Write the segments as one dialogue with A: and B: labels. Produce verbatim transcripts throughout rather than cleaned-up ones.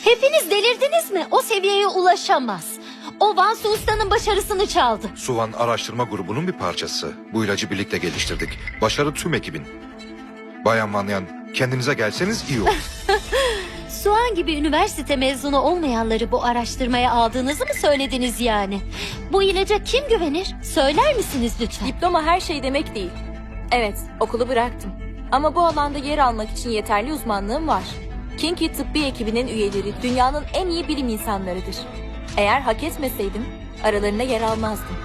A: Hepiniz delirdiniz mi? O seviyeye ulaşamaz. O Vansu Usta'nın başarısını çaldı.
B: Suvan araştırma grubunun bir parçası. Bu ilacı birlikte geliştirdik. Başarı tüm ekibin. Bayan Vanyan, kendinize gelseniz iyi olur.
A: Suan gibi üniversite mezunu olmayanları bu araştırmaya aldığınızı mı söylediniz yani? Bu ilaca kim güvenir? Söyler misiniz lütfen?
C: Diploma her şey demek değil. Evet, okulu bıraktım. Ama bu alanda yer almak için yeterli uzmanlığım var. Kinki tıbbi ekibinin üyeleri dünyanın en iyi bilim insanlarıdır. Eğer hak etmeseydim aralarına yer almazdım.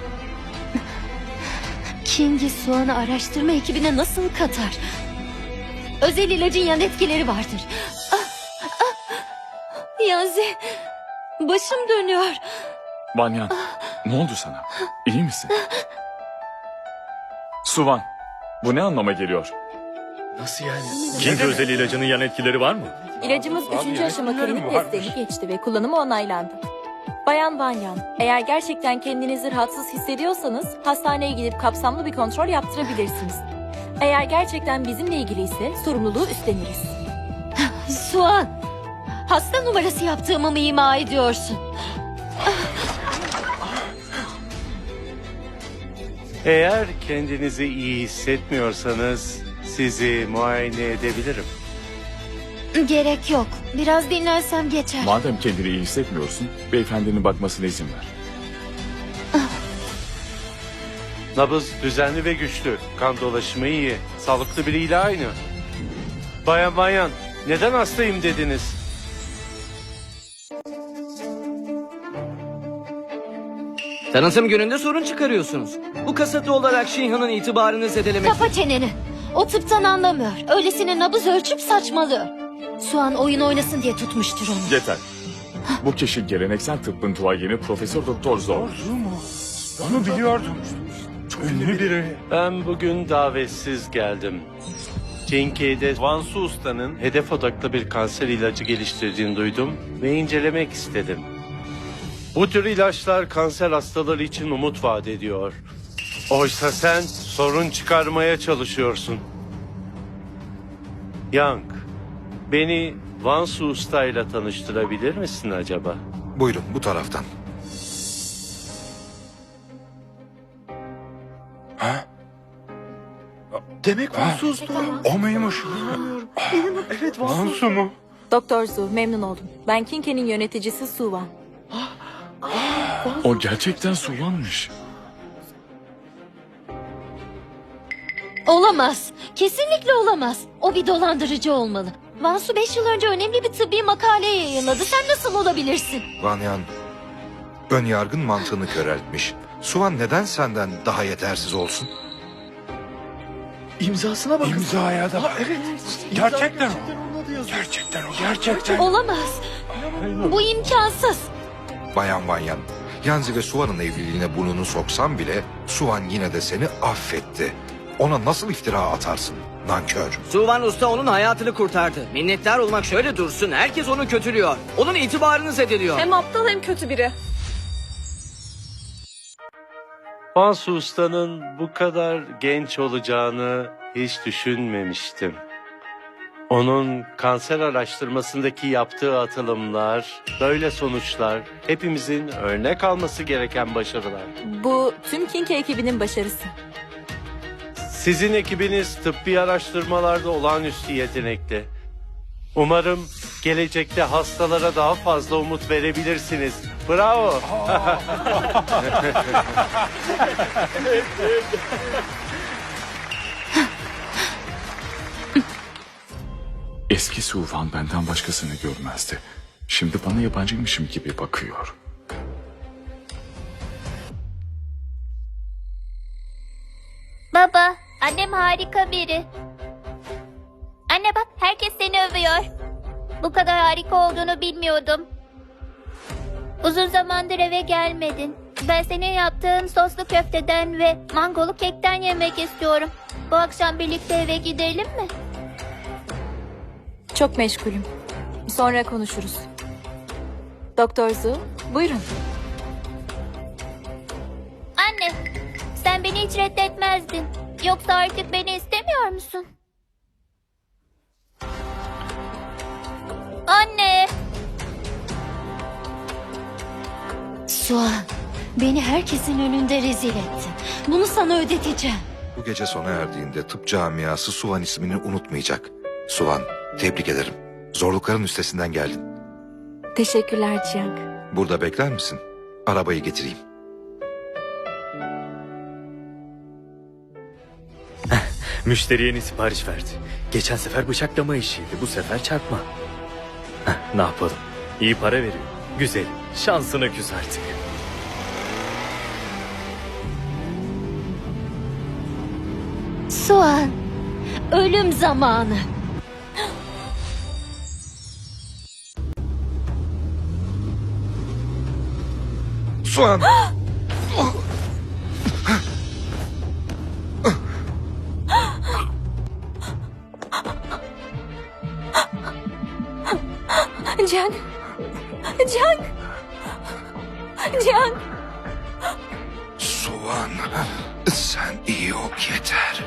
A: Kingi Suan'ı araştırma ekibine nasıl katar? Özel ilacın yan etkileri vardır. Ah, ah. Yanzi, başım dönüyor.
D: Banyan, ne oldu sana? İyi misin? Suvan, bu ne anlama geliyor?
E: Nasıl yani?
F: King özel ilacının yan etkileri var mı?
C: İlacımız üçüncü aşama klinik testlerini geçti ve kullanımı onaylandı. Bayan Vanyan, eğer gerçekten kendinizi rahatsız hissediyorsanız hastaneye gidip kapsamlı bir kontrol yaptırabilirsiniz. Eğer gerçekten bizimle ilgili ise sorumluluğu üstleniriz.
A: Suan, hasta numarası yaptığımı mı ima ediyorsun?
G: Eğer kendinizi iyi hissetmiyorsanız sizi muayene edebilirim.
A: Gerek yok. Biraz dinlensem geçer.
D: Madem kendini iyi hissetmiyorsun, beyefendinin bakmasına izin ver.
G: Nabız düzenli ve güçlü. Kan dolaşımı iyi. Sağlıklı biriyle aynı. Bayan Bayan, neden hastayım dediniz?
E: Tanıtım gününde sorun çıkarıyorsunuz. Bu kasıtlı olarak Şihan'ın itibarını zedelemek...
A: Kapa çeneni. O tıptan anlamıyor. Öylesine nabız ölçüp saçmalıyor. Suan oyun oynasın diye tutmuştur onu.
D: Yeter. Bu kişi geleneksel tıbbın duayeni Profesör Doktor Zor.
G: Onu biliyordum. Ünlü biri. Ben bugün davetsiz geldim. Cinke'de Vansu Usta'nın hedef odaklı bir kanser ilacı geliştirdiğini duydum ve incelemek istedim. Bu tür ilaçlar kanser hastaları için umut vaat ediyor. Oysa sen sorun çıkarmaya çalışıyorsun. Yang, beni Vansu Usta ile tanıştırabilir misin acaba?
B: Buyurun bu taraftan.
E: Demek Vansu Usta.
B: O muymuş?
E: Evet
B: Vansu mu?
C: Doktor Zu, memnun oldum. Ben Kinke'nin yöneticisi Suvan.
D: O gerçekten Suvan'mış.
A: Olamaz. Kesinlikle olamaz. O bir dolandırıcı olmalı. Vansu beş yıl önce önemli bir tıbbi makale yayınladı. Sen nasıl olabilirsin?
B: Vanyan, ön yargın mantığını köreltmiş. Suvan neden senden daha yetersiz olsun?
E: İmzasına bakın.
G: İmzaya da bak.
E: Evet.
G: Gerçekten o.
E: Gerçekten
G: Gerçekten o, gerçekten.
A: Olamaz. Bu imkansız.
B: Bayan Vanyan, Yanzi ve Suvan'ın evliliğine burnunu soksan bile Suvan yine de seni affetti. Ona nasıl iftira atarsın? Nankör.
E: Suvan Usta onun hayatını kurtardı. Minnettar olmak şöyle dursun. Herkes onu kötülüyor. Onun itibarını zedeliyor.
C: Hem aptal hem kötü biri.
G: Vansu Usta'nın bu kadar genç olacağını hiç düşünmemiştim. Onun kanser araştırmasındaki yaptığı atılımlar, böyle sonuçlar hepimizin örnek alması gereken başarılar.
C: Bu tüm Kinke ekibinin başarısı.
G: Sizin ekibiniz tıbbi araştırmalarda olağanüstü yetenekli. Umarım gelecekte hastalara daha fazla umut verebilirsiniz. Bravo.
D: Eski Suvan benden başkasını görmezdi. Şimdi bana yabancıymışım gibi bakıyor.
H: Baba, annem harika biri. Anne bak, herkes seni övüyor. Bu kadar harika olduğunu bilmiyordum. Uzun zamandır eve gelmedin. Ben senin yaptığın soslu köfteden ve mangolu kekten yemek istiyorum. Bu akşam birlikte eve gidelim mi?
C: Çok meşgulüm. Sonra konuşuruz. Doktor Zu, buyurun.
H: Anne, sen beni hiç reddetmezdin. Yoksa artık beni istemiyor musun? Anne!
A: Suan, beni herkesin önünde rezil ettin. Bunu sana ödeteceğim.
B: Bu gece sona erdiğinde tıp camiası Suvan ismini unutmayacak. Suvan, tebrik ederim. Zorlukların üstesinden geldin.
C: Teşekkürler Cihan.
B: Burada bekler misin? Arabayı getireyim.
F: Müşteri yeni sipariş verdi. Geçen sefer bıçaklama işiydi, bu sefer çarpma. Heh, ne yapalım? İyi para veriyor. Güzel. Şansına küs artık.
A: Suan, ölüm zamanı.
B: Suvan!
C: Cihan. Cihan. Cihan.
B: Suvan, sen iyi ol yeter.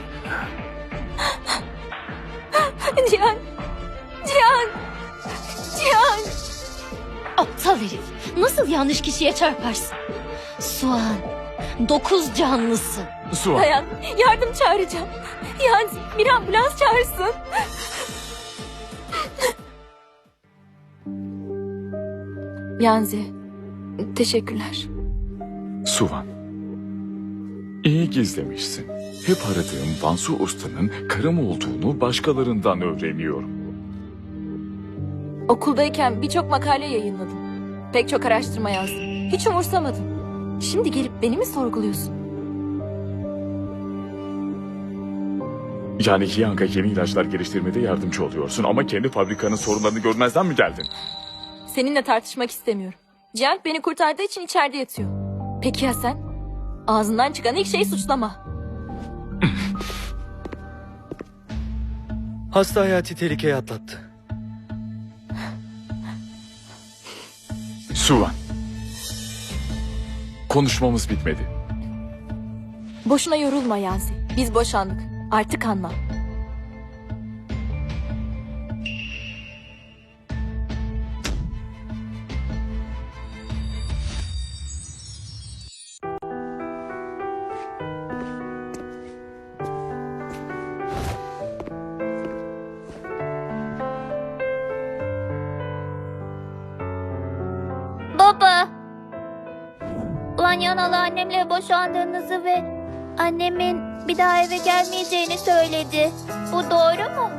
C: Cihan. Cihan. Cihan.
A: Aptal herif. Nasıl yanlış kişiye çarparsın? Suan, dokuz canlısın.
D: Suvan.
C: Dayan. Yardım çağıracağım. Yanzi bir ambulans çağırsın. Yanzi. Teşekkürler.
D: Suvan. İyi gizlemişsin. Hep aradığım Vansu Usta'nın karım olduğunu başkalarından öğreniyorum.
C: Okuldayken birçok makale yayınladım. Pek çok araştırma yazdım. Hiç umursamadım. Şimdi gelip beni mi sorguluyorsun?
D: Yani Hyang'a yeni ilaçlar geliştirmede yardımcı oluyorsun ama kendi fabrikanın sorunlarını görmezden mi geldin?
C: Seninle tartışmak istemiyorum. Cihan beni kurtardığı için içeride yatıyor. Peki ya sen? Ağzından çıkan ilk şey suçlama.
F: Hasta hayati tehlikeye atlattı.
D: Suvan. Konuşmamız bitmedi.
C: Boşuna yorulma Yanzi. Biz boşandık. Artık anla.
H: Baba. Vanyanalı annemle boşandığınızı ve annemin bir daha eve gelmeyeceğini söyledi. Bu doğru mu?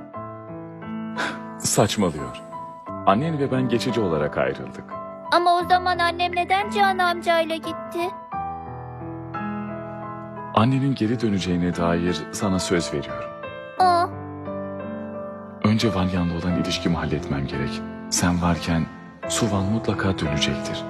D: Saçmalıyor. Annen ve ben geçici olarak ayrıldık.
H: Ama o zaman annem neden Cihan amcayla gitti?
D: Annenin geri döneceğine dair sana söz veriyorum.
H: Aa,
D: Önce Vanyan'la olan ilişkimi halletmem gerek. Sen varken Suvan mutlaka dönecektir.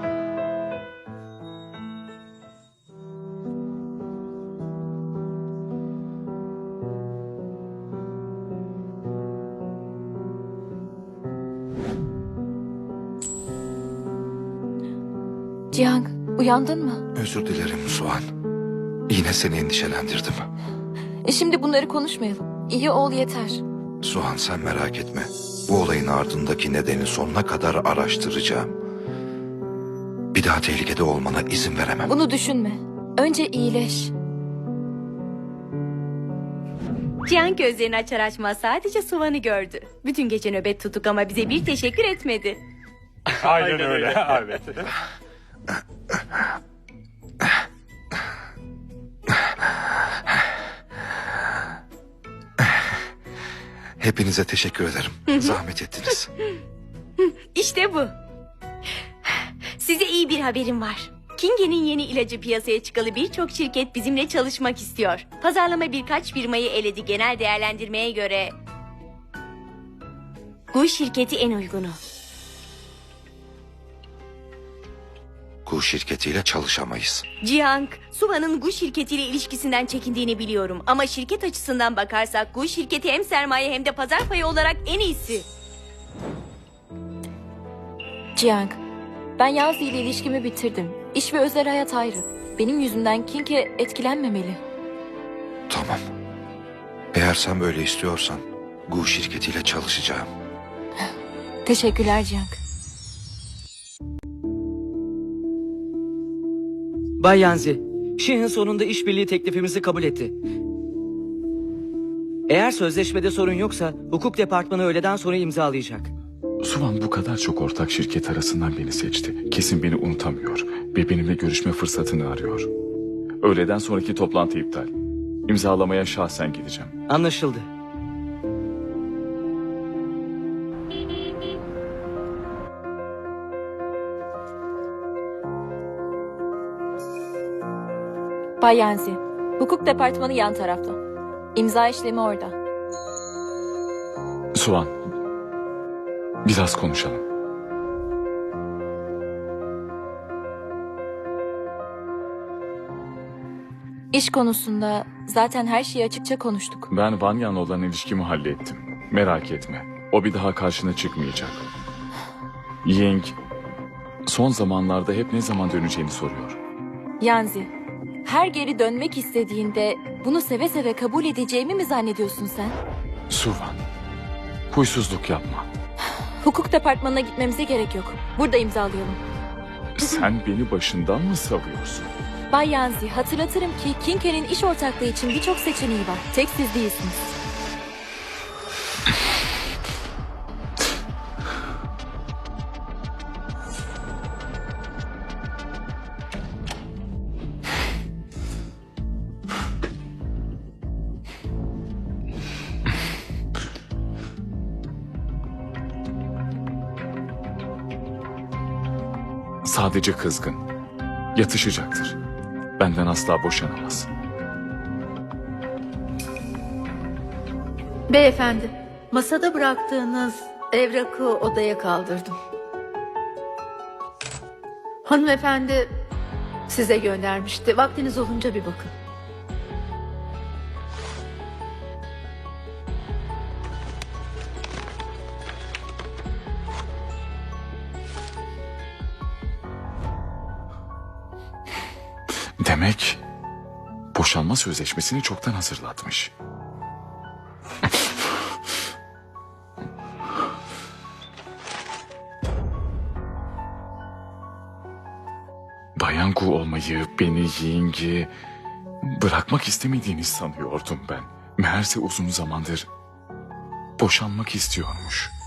C: Cihan uyandın mı?
B: Özür dilerim Suvan. Yine seni endişelendirdim.
C: E şimdi bunları konuşmayalım. İyi ol yeter.
B: Suhan sen merak etme. Bu olayın ardındaki nedeni sonuna kadar araştıracağım. Bir daha tehlikede olmana izin veremem.
C: Bunu düşünme. Önce iyileş.
I: Cihan gözlerini açar açmaz sadece Suvan'ı gördü. Bütün gece nöbet tuttuk ama bize bir teşekkür etmedi.
G: Aynen öyle. Evet.
B: Hepinize teşekkür ederim. Zahmet ettiniz.
I: İşte bu. Size iyi bir haberim var. Kinge'nin yeni ilacı piyasaya çıkalı birçok şirket bizimle çalışmak istiyor. Pazarlama birkaç firmayı eledi, genel değerlendirmeye göre bu şirketi en uygunu.
B: Gu şirketiyle çalışamayız.
I: Jiang, Suvan'ın Gu şirketiyle ilişkisinden çekindiğini biliyorum. Ama şirket açısından bakarsak Gu şirketi hem sermaye hem de pazar payı olarak en iyisi.
C: Cihan, ben Yanzi ile ilişkimi bitirdim. İş ve özel hayat ayrı. Benim yüzümden Kinge etkilenmemeli.
B: Tamam. Eğer sen böyle istiyorsan Gu şirketiyle çalışacağım.
C: Teşekkürler Cihan.
E: Bay Yanzi, Şihin sonunda işbirliği teklifimizi kabul etti. Eğer sözleşmede sorun yoksa hukuk departmanı öğleden sonra imzalayacak.
D: Suvan bu kadar çok ortak şirket arasından beni seçti. Kesin beni unutamıyor ve benimle görüşme fırsatını arıyor. Öğleden sonraki toplantı iptal. İmzalamaya şahsen gideceğim.
E: Anlaşıldı.
C: Bay Yanzi, hukuk departmanı yan tarafta. İmza işlemi orada.
D: Suvan, biraz konuşalım.
C: İş konusunda zaten her şeyi açıkça konuştuk.
D: Ben Vanyan'la olan ilişkimi hallettim. Merak etme. O bir daha karşına çıkmayacak. Ying son zamanlarda hep ne zaman döneceğini soruyor.
C: Yanzi, her geri dönmek istediğinde bunu seve seve kabul edeceğimi mi zannediyorsun sen?
D: Suvan, huysuzluk yapma.
C: Hukuk departmanına gitmemize gerek yok. Burada imzalayalım.
D: Sen beni başından mı savuyorsun?
C: Bay Yanzi, hatırlatırım ki Kinke'nin iş ortaklığı için birçok seçeneği var. Tek siz değilsiniz.
D: Sadece kızgın. Yatışacaktır. Benden asla boşanamaz.
J: Beyefendi, masada bıraktığınız evrakı odaya kaldırdım. Hanımefendi size göndermişti. Vaktiniz olunca bir bakın.
D: Demek boşanma sözleşmesini çoktan hazırlatmış. Bayan Gu olmayı, beni Ying'i bırakmak istemediğini sanıyordum ben. Meğerse uzun zamandır boşanmak istiyormuş.